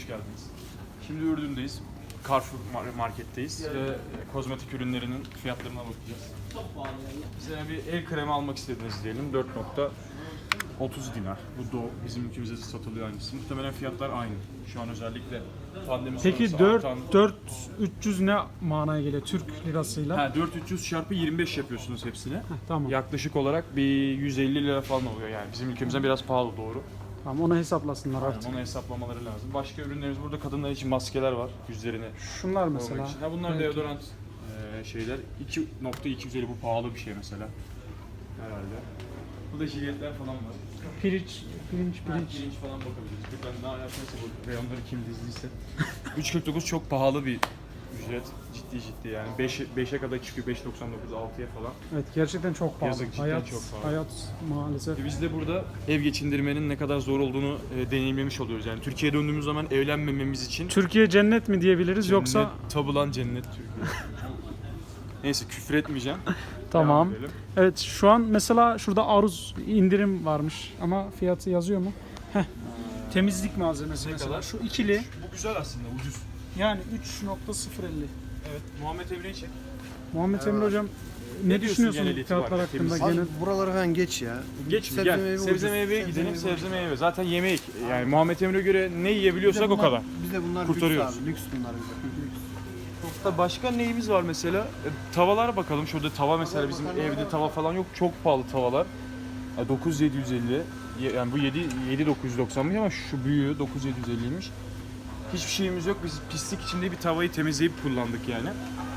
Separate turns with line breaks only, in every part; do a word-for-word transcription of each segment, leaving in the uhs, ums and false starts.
hoş geldiniz. Şimdi Ürdün'deyiz. Carrefour marketteyiz ve kozmetik ürünlerinin fiyatlarına bakacağız. Bize bir el kremi almak istediniz diyelim. dört nokta otuz dinar. Bu do bizim ülkemizde de satılıyor aynısı. Muhtemelen fiyatlar aynı. Şu an özellikle pandemi
Peki
sonrası
dört
artan...
dört üç yüz ne manaya geliyor Türk lirasıyla?
Ha, dört bin üç yüz çarpı yirmi beş yapıyorsunuz hepsini.
Heh, tamam.
Yaklaşık olarak bir yüz elli lira falan oluyor yani. Bizim ülkemizden biraz pahalı doğru.
Tamam, onu hesaplasınlar
Aynen,
artık.
onu hesaplamaları lazım. Başka ürünlerimiz burada, kadınlar için maskeler var yüzlerine.
Şunlar
Mesela.
mesela.
Ha, bunlar
Evet.
deodorant e, şeyler. iki nokta iki yüz elli, bu pahalı bir şey mesela. Herhalde. Burada jiletler falan var.
Pirinç, pirinç,
Ha,
pirinç.
pirinç falan bakabiliriz. Ben ne alakası bu reyonları kim dizdiyse. üç kırk dokuz çok pahalı bir ücret. Ciddi ciddi yani. beşe kadar çıkıyor. beş doksan dokuz, altıya falan.
Evet, gerçekten çok pahalı.
Yazık, cidden
hayat,
çok pahalı.
hayat maalesef.
E, Biz de burada ev geçindirmenin ne kadar zor olduğunu e, deneyimlemiş oluyoruz. Yani Türkiye'ye döndüğümüz zaman evlenmememiz için
Türkiye cennet mi diyebiliriz
cennet,
yoksa?
tabulan cennet Türkiye. Neyse, küfür etmeyeceğim.
Tamam.
Devam edelim.
Evet, şu an mesela şurada aruz indirim varmış ama fiyatı yazıyor mu? Heh. Temizlik malzemesi
Ne
mesela.
kadar?
Şu ikili
Bu güzel aslında, ucuz.
yani üç nokta sıfır elli.
Evet, Muhammed Emre'yi çek.
Muhammed Emre hocam, ne,
diyorsun
düşünüyorsun
genel
fiyatlar
itibariyle?
hakkında?
Temiz.
Abi
Genel...
buraları falan geç ya.
Geç mi?
Sebze
Gel.
meyve
sebze
ucuz.
meyveye
Sebze
gidelim,
meyve
sebze meyve. Zaten yemek. Yani Muhammed Emre'ye göre ne yiyebiliyorsak o kadar.
Bize bunlar
Kurtarıyoruz.
lüks abi. Lüks bunlar bize. Lüks.
Da başka neyimiz var mesela? E, tavalara bakalım. Şurada tava mesela, bizim evde tava falan yok. Çok pahalı tavalar. E, dokuz bin yedi yüz elli. Ye- Yani bu yedi bin dokuz yüz doksanmış ama şu büyüğü dokuz bin yedi yüz elliymiş. Hiçbir şeyimiz yok. Biz pislik içinde bir tavayı temizleyip kullandık yani.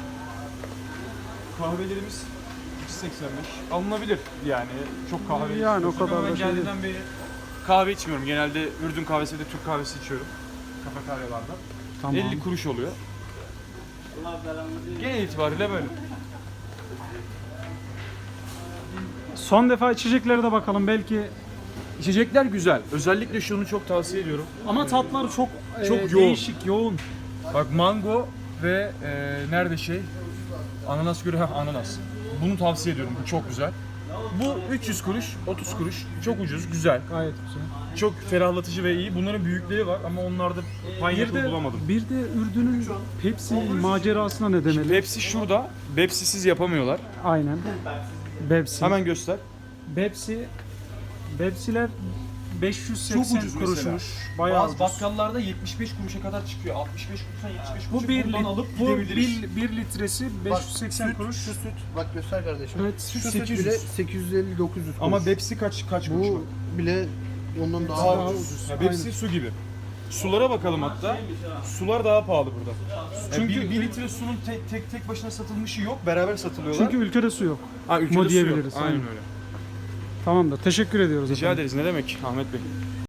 Kahvelerimiz üç yüz seksen beş. Alınabilir yani. Çok kahve
Yani o
içmiyorsak
kadar
ama
da
ben
şey değil.
geldiğimden beri kahve içmiyorum. Genelde Ürdün kahvesi ve de Türk kahvesi içiyorum. Kafeteryalarda.
Tamam.
elli kuruş oluyor. Genel itibariyle böyle.
Son defa içeceklere de bakalım belki.
İçecekler güzel. Özellikle şunu çok tavsiye ediyorum.
Ama tatları çok
Çok
e,
yoğun.
değişik, yoğun.
Bak, mango ve e, nerede şey? Ananas göre ha ananas. Bunu tavsiye ediyorum. Bu çok güzel. Bu üç yüz kuruş, otuz kuruş. Çok ucuz, güzel.
Gayet güzel.
Çok ferahlatıcı ve iyi. Bunların büyükleri var ama onlarda
Bir
pineapple
de,
bulamadım.
bir de Ürdün'ün Pepsi macerasına ne demeli?
Pepsi şurada. Pepsi'siz yapamıyorlar.
Aynen. Pepsi.
Hemen göster.
Pepsi. Pepsi'ler beş yüz seksen kuruşmuş. Bayağı
Bazı
ucuz.
bakkallarda yetmiş beş kuruşa kadar çıkıyor. altmış beş kuruştan yetmiş beş kuruşa
Bu bir,
bundan
lit,
alıp
bu
gidebiliriz.
bir, bir litresi beş yüz seksen
süt,
kuruş.
Şu süt. Bak göster kardeşim.
Evet,
Şu
süt
süt
sekiz yüz.
bile sekiz yüz elli dokuz yüz kuruş.
Ama Pepsi kaç kaç kuruş?
bu bile ondan daha,
Daha
ucuz.
ucuz.
Ya Pepsi su gibi. Sulara bakalım hatta. Sular daha pahalı burada. Çünkü
Çünkü-
bir, bir litre sunun tek tek tek başına satılmışı yok. Beraber satılıyorlar.
Çünkü ülkede su yok.
ha, ülkede
mu
su
diyebiliriz,
yok. Aynen
aynen.
öyle.
Tamam da teşekkür ediyoruz
Rica
efendim.
ederiz. Ne demek Ahmet Bey?